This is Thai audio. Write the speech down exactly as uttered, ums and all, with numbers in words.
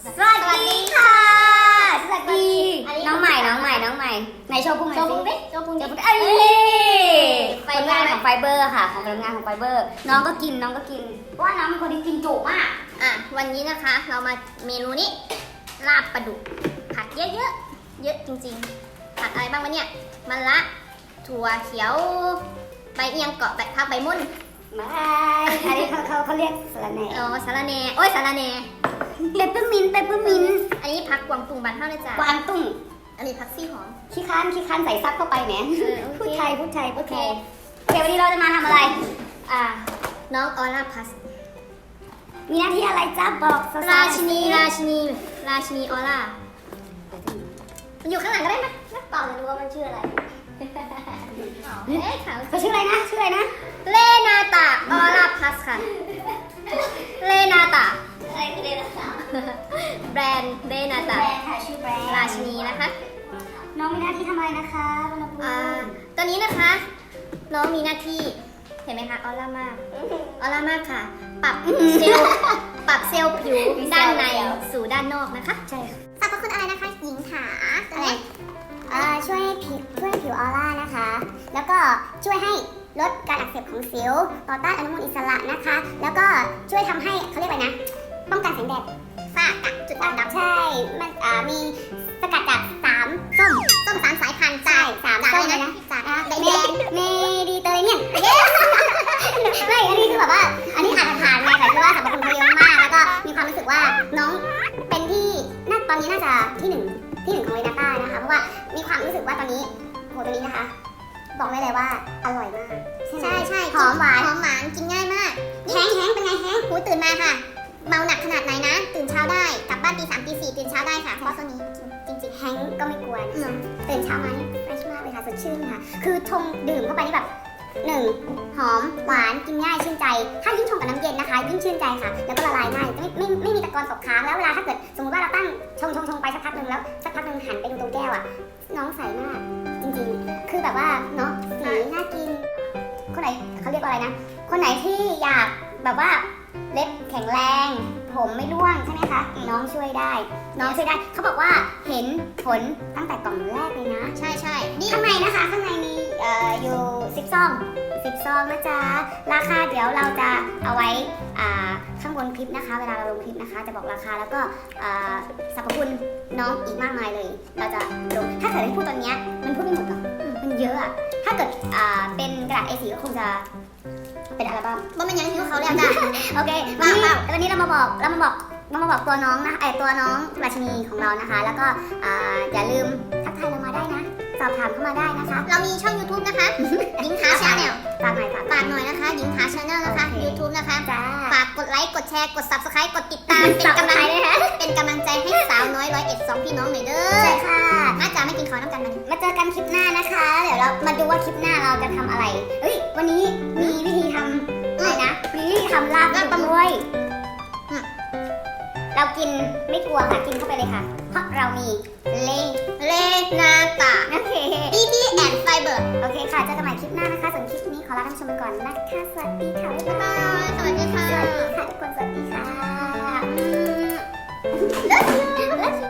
สวัสดีค่ะสวัสดีน้องใหม่น้องใหม่น้องใหม่ไหนโชว์พุงหน่อยสิโชว์พุงดิโชว์พุงดิเอ้ยไฟผลเบอร์งานของไฟเบอร์ค่ะของผลงานของไฟเบอร์ น้องก็กินน้องก็กินเพราะว่าน้องเป็นคนที่กินจุมากอ่ะวันนี้นะคะ เรามาเมนูนี้ลาบปลาดุกผักเยอะๆเยอะจริงๆผักอะไรบ้างวะเนี่ยมะระถั่วเขียวใบเอียงเกาะใบผักใบมุ่นไม่อันนี้เขาเขาเขาเรียกสลัดแหน่อ๋อสาระแหน่โอ้ยสาระแหน่เปปเปอร์มินต์เปปเปอร์มินต์อันนี้ผักกวางตุ้งบานเท่านะจ๊ะกวางตุ้งอันนี้ผักซี่หอมขี้ค้านขี้ค้านใส่ซับเข้าไปแหมเออโอเคพูดไทยพูดไทยพูดไทยโอเควันนี้เราจะมาทำอะไรอ่าน้องออร่าพัสมีหน้าที่อะไรจ้าบอกสาวๆราชินีราชินีราชินีออร่ามันอยู่ข้างหลังก็ได้ไหมนักต่อจะรู้ว่ามันชื่ออะไรเอ๊ะขาวเขาชื่ออะไรนะชื่ออะไรนะเลนาตาออร่าพัสค่ะ เลนาตาอะไรคือเดลต้าแบรนด์เลนาแบตารนด์ค่ะชื่อแบรนด์ราชินีนะคะน้องมีหน้าที่ทำอะไรนะคะบรรพบุอ่ารุษตอนนี้นะคะ น้องมีหน้าที่ เห็นไหมคะออร่ามาก ออร่ามากค่ะ ปรับเซลล์ปรับเซลล์ผิวด้านในสู่ด้านนอกนะคะใช่ค่ะสรรพคุณอะไรนะคะหญิงขาอะไรเอ่อช่วยให้ผิวช่วยให้ผิวออร่านะคะ แล้วก็ช่วยให้ลดการอักเสบของสิว ต่อต้านอนุมูลอิสระนะคะ แล้วก็ช่วยทำให้เขาเรียกอะไรนะ ป้องกันแสงแดดฝ้ากระจุดด่างดำใช่ มันอ่ามีสกัดจากสามส้มส้มสามสายพันธุ์ใช่สามจากส้อะมไรเลยนะนะจากอ่าแดเมงเมดิเตอร์เรเนียนไม่อันนี้คือแบบว่า อันนี้อาจจะผ่านไงแต่คือว่าสรรพคุณเขาเยอะมาก แล้วก็มีความรู้สึกว่าน้องเป็นที่น่าตอนนี้น่าจะที่หนึ่งที่หนึ่งของเวนาต้านะคะ เพราะว่ามีความรู้สึกว่าตอนนี้โหตัวนี้นะคะ บอกได้เลยว่าอร่อยมากๆใช่ใช่ไหมใช่หอมหวานหอมหวานกินง่ายมากแห้งแห้งเป็นไงแห้งหูตื่นมาค่ะ เมาหนักขนาดไหนนะ ตื่นเช้าได้ กลับบ้านตีสามตีสี่ตื่นเช้าได้ค่ะ เพราะตัวนี้จริงแห้งก็ไม่กลัวๆนะอืมตื่นเช้ามานี่เฟรชมากเลยค่ะสดชื่นค่ะ คือชงดื่มเข้าไปนี่แบบหนึ่งหอมหวานกินง่ายชื่นใจ ถ้ายิ่งชงกับน้ำเย็นนะคะยิ่งชื่นใจค่ะ แล้วก็ละลายง่ายไม่ไม่ไม่มีตะกอนตกค้างแล้วเวลาถ้าเกิดสมมติว่าเราตั้งชงชงชงไปสักพักหนึ่งแล้วสักพักหนึ่งหันไปดูตรงแก้วอ่ะน้องใสมากจริงๆ คือแบบว่าเนาะสีน่ากิน คนไหนเขาเรียกว่าอะไรนะ คนไหนที่อยากแบบว่าเล็บแข็งแรง ผมไม่ร่วงใช่ไหมคะ น้องช่วยได้ น้องช่วยได้ เขาบอกว่าเห็นผลตั้งแต่กล่องแรกเลยนะใช่ใช่นี่ข้างในนะคะ ข้างในมีเอ่ออยู่สิบซองสิบซองนะจ๊ะ ราคาเดี๋ยวเราจะเอาไว้อ่าข้างบนคลิปนะคะ เวลาเราลงคลิปนะคะ จะบอกราคาแล้วก็อ่าสรรพคุณน้องอีกมากมายเลย เราจะลง ถ้าเกิดให้พูดตอนเนี้ยมันพูดไม่หมดหรอกอืมมันเยอะอะ ถ้าเกิดอ่าเป็นกระดาษ เอ โฟร์ ก็คงจะเป็นอัลบั้มว่ามันยังหิวเขาแล้วจ้ะโอเควันนี้วันนี้เรามาบอกเรามาบอกเรามาบอกตัวน้องนะไอตัวน้องราชินีของเรานะคะ แล้วก็อ่าอย่าลืมทักทายเรามาได้นะ สอบถามเข้ามาได้นะคะเรามีช่อง ยูทูบ นะคะ หญิงขาชาแนลฝากหน่อยฝากฝากหน่อยนะคะ หญิงขาชาแนลนะคะโอเคยูทูบ นะคะจ้าฝากกดไลค์ กดแชร์ กด ซับสไครบ์ กดติดตาม เป็นกำลังด้วยนะเป็นกำลังใจให้สาวน้อยร้อยเอ็ดสองพี่น้องหน่อยเด้ใช่อค่ะน่าจะไม่กินข้าวน้ำกันมันมาเจอกันคลิปหน้านะคะ เดี๋ยวเรามาดูว่าคลิปหน้าเราจะทำอะไรเฮ้ยวันนี้มีวิธีทำอะไรนะมีวิธีทำลาบปลาดุกด้วยอืมเรากินไม่กลัวค่ะกินเข้าไปเลยค่ะ เพราะเรามีเลเลนาตาโอเคบีบีแอนด์ไฟเบอร์โอเคค่ะ เจอกันใหม่คลิปหน้านะคะ ส่วนคลิปนี้ขอลาท่านผู้ชมไปก่อนนะคะ สวัสดีค่ะ บ๊ายบายสวัสดีค่ะสวัสดีค่ะทุกคน สวัสดีค่ะอืม